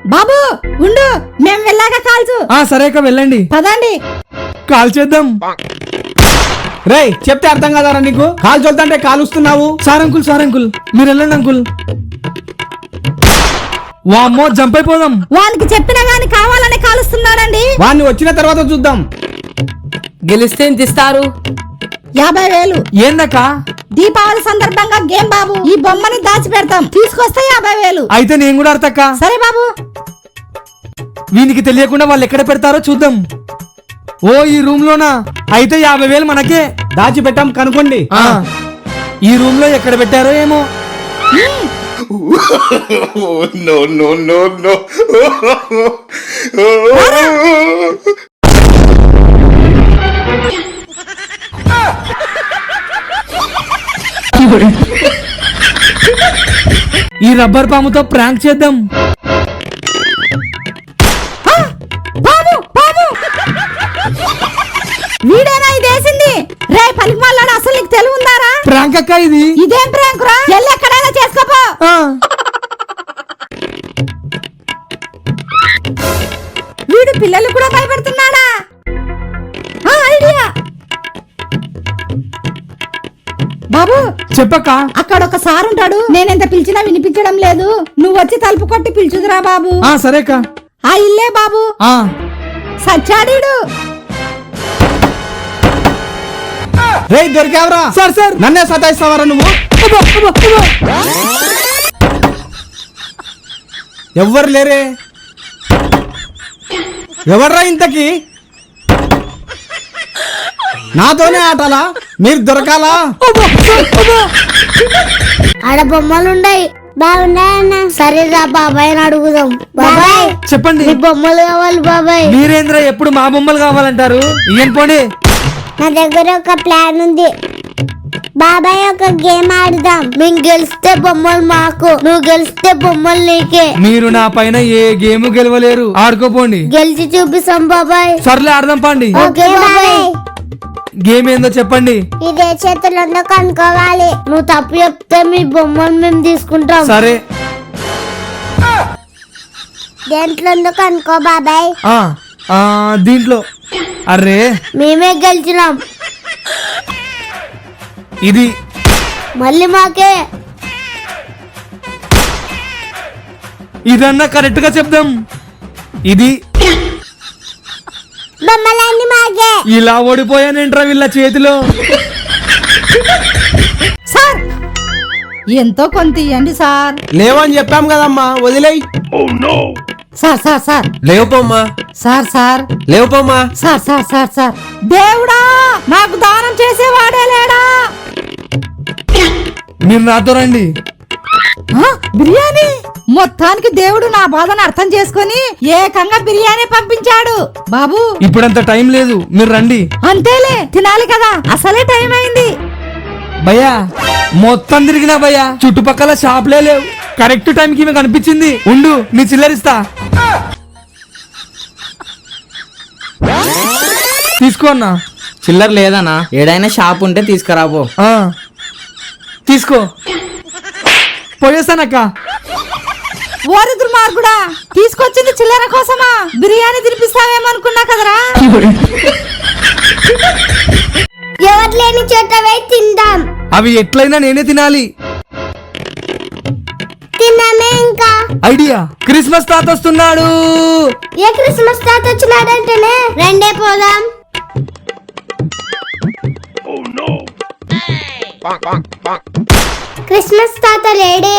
బాబు ఉండు, మేము వెళ్ళాక కాల్చు. సరేక వెళ్ళండి, పదండి. కాల్ చేద్దాం. రేయ్ చెప్తే అర్థం కదారా నీకు? కాలు చల్లుతుంటే కాలుస్తున్నావు. సార్ అంకుల్ మీరు వెళ్ళండి అంకుల్. వామ్మో జంప్ అయిపోదాం. వానికి చెప్పినా గాని కావాలని కాలుస్తున్నాడండి. వాడిని వచ్చిన తర్వాత చూద్దాం. గెలిస్తే ఎంత ఇస్తారు? 50,000. ఏందక్క? దీపావళి సందర్భంగా గేమ్ బాబు. ఈ బొమ్మని దాచి పెడతాం, తీసుకొస్తే 50,000. అయితే నేను కూడా అర్థక్క. సరే బాబు. వీనికి తెలియకుండా వాళ్ళు ఎక్కడ పెడతారో చూద్దాం. ఓ ఈ రూమ్ లోనా? అయితే 50,000 మనకే. దాచి పెట్టాం కనుకోండి. ఈ రూమ్ లో ఎక్కడ పెట్టారో ఏమో. No, no, no, no. ఈ రబ్బర్ పాముతో ప్రాంక్ చేద్దాం. బాబు బాబు, వీడేనా ఇదేసింది? రే పలికి మళ్ళాడు, అసలు నీకు తెలివి ఉందారా? ప్రాంక్ అక్క ఇది. ఇదేం ప్రాంక్ రా? ఎల్లు ఎక్కడైనా చేసుకోపో. వీడు పిల్లలు కూడా భయపెడుతున్నాడా? ఐడియా. బాబు చెప్పక్క. అక్కడ ఒక సార్ ఉంటాడు, నేనెంత పిలిచినా వినిపించడం లేదు. నువ్వు వచ్చి తలుపు కొట్టి పిలుచుదురా బాబు. సరేక. ఆ ఇల్లే బాబు. సచ్చాడీడు. రేయ్ దొరికావరా? సార్ నన్నే సతాయిస్తావరా నువ్వు? ఎవ్వరు లేరే. ఎవర్రా ఇంతకి? నాతోనే ఆటలా? మీరు దొరకాలా? ఆడ బొమ్మలుండాయి, బాగున్నాయన్న. సరేరా బాబాయ్ అని అడుగుదాం. బాబాయ్ చెప్పండి. మీ బొమ్మలు కావాలి బాబాయ్. మీరేంద్ర ఎప్పుడు మా బొమ్మలు కావాలంటారు? ఇయ్యం పోండి. నా దగ్గర ఒక ప్లాన్ ఉంది బాబాయ్. ఒక గేమ్ ఆడుదాం. మేము గెలిస్తే బొమ్మలు మాకు, నువ్వు గెలిస్తే బొమ్మలు నీకే. మీరు నా పైన ఏ గేమ్ గెలవలేరు, ఆడుకోపోండి. గెలిచి చూపిస్తాం బాబాయ్. సర్లే ఆడదాం పండి. ఓకే బాబాయ్. గేమ్ ఏందో చెప్పండి. ఇదే చేతుల్లో కనుక్కోవాలి. నువ్వు తప్పు చెప్తే మీ బొమ్మలు మేము తీసుకుంటాం. సరే. దేంట్లో కనుక్కో బాబాయ్. దీంట్లో. అరే మేమే గెలిచినాం. ఇది మళ్ళీ మాకే. ఇదన్నా కరెక్ట్ గా చెప్దాం. ఇది బొమ్మలన్నీ మాకే. ఇలా ఓడిపోయానేంట్రా వీళ్ళ చేతిలో. సార్ ఎంతో కొంత ఇవ్వండి సార్. లేవని చెప్పాం కదమ్మా, వదిలేయ్. సార్ సార్ సార్ లేవుపోమ్మా. సార్ సార్ లేవుపోమ్మా. సార్ సార్ సార్ సార్ దేవుడా, నాకు దానం చేసేవాడే లేడా? మీరు నాతో రండి. బిర్యానీ. మొత్తానికి దేవుడు నా బాధను అర్థం చేసుకుని ఏకంగా బిర్యానీ పంపించాడు. బాబు ఇప్పుడంత టైం లేదు, మీరు రండి. అంతేలే, తినాలి కదా, అసలే టైం అయింది. భయ్యా మొత్తం తిరిగినా భయ్యా, చుట్టుపక్కల షాప్లే లేవు. కరెక్ట్ టైంకి మీకు అనిపించింది. ఉండు నీ చిల్లరిస్తా. తీసుకో అన్నా. చిల్లర లేదనా? ఏడైనా షాప్ ఉంటే తీసుకురాబో. తీసుకో. పోయేస్తానక్క. ఓరి దుర్మార్గుడా, తీసుకొచ్చింది చిల్లర కోసమా? బిర్యానీ తినిపిస్తావేమనుకున్నా కదరా. ఎవరు లేని చోట పోయి తిందాం. అవి ఎట్లయినా నేనే తినాలి. తిన్నామే ఇంకా. ఐడియా. క్రిస్మస్ తాత వస్తున్నాడు. ఏ క్రిస్మస్ తాత వచ్చినాడంటేనే రెండే పోదాం. క్రిస్మస్ తాత లేడే.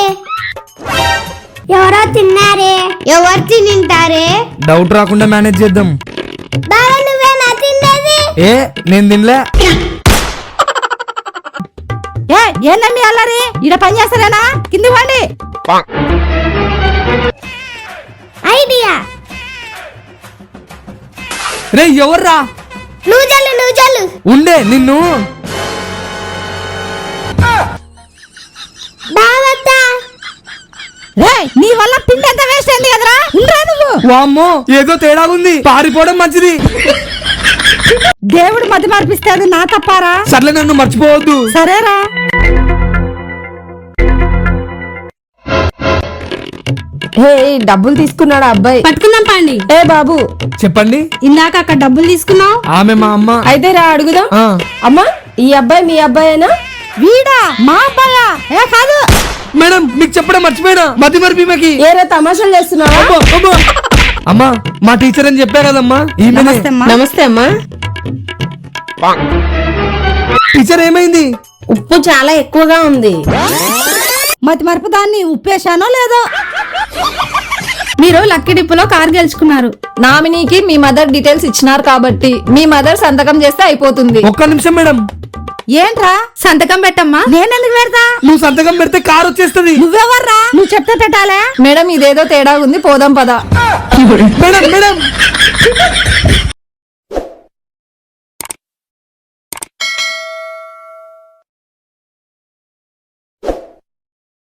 ఎవరో తిన్నారే. ఎవరు తింటారే? డౌట్ రాకుండా మేనేజ్ చేద్దాం. బాబా నువ్వేనా తిన్నది? ఏ నేను తినలే. ఏందండి అల్లరి? ఈడ పని చేస్తారేనా? కింది వండి. ఐడియా. రే ఎవర్రా? నువ్వు చల్లు. ఉండే నిన్ను. బావత్తా. నీ వల్ల పిండి ఎంత వేస్ట్ అయింది కదరా. ఉండరా నువ్వు. వామ్మో ఏదో తేడా ఉంది, పారిపోవడం మంచిది. దేవుడు మధ్య మార్పిస్తే అది నా తప్పారా? సర్లే నన్ను మర్చిపోవద్దు. సరేరా. హే డబ్బులు తీసుకున్నాడు ఆ అబ్బాయి. పట్టుకుందాం పండి. ఏ బాబు చెప్పండి. ఇందాక అక్కడ డబ్బులు తీసుకున్నావు. ఆమె మా అమ్మ. అయితే రా అడుగుదాం. ఆ, అమ్మా ఈ అబ్బాయి మీ అబ్బాయేనా? వీడా మా అబ్బాయా? ఏ కాదు. మేడం మీకు చెప్పడం మర్చిపోయినా, మతి మరిపి మాకి. ఏరా తమాషాలు చేస్తున్నావా? అమ్మా మా టీచర్ అని చెప్పా కదమ్మా, ఈమెనే. నమస్తే అమ్మా. నమస్తే అమ్మా. టీచర్ ఏమైంది? ఉప్పు చాలా ఎక్కువగా ఉంది. మతి మరపు దాన్ని ఉప్పేశానో లేదో. మీరు లక్కీ డిప్పులో కార్ గెలుచుకున్నారు. నామినీకి మీ మదర్ డీటెయిల్స్ ఇచ్చినారు కాబట్టి మీ మదర్ సంతకం చేస్తే అయిపోతుంది. ఒక్క నిమిషం మేడం. ఏంట్రా? సంతకం పెట్టమ్మా. నేనెందుకు పెడతా? నువ్వు సంతకం పెడితే కారు వచ్చేస్తుంది. నువ్వెవర్రా? నువ్వు చెప్తే పెట్టాలా? మేడం ఇదేదో తేడా ఉంది, పోదాం పదా. Madam madam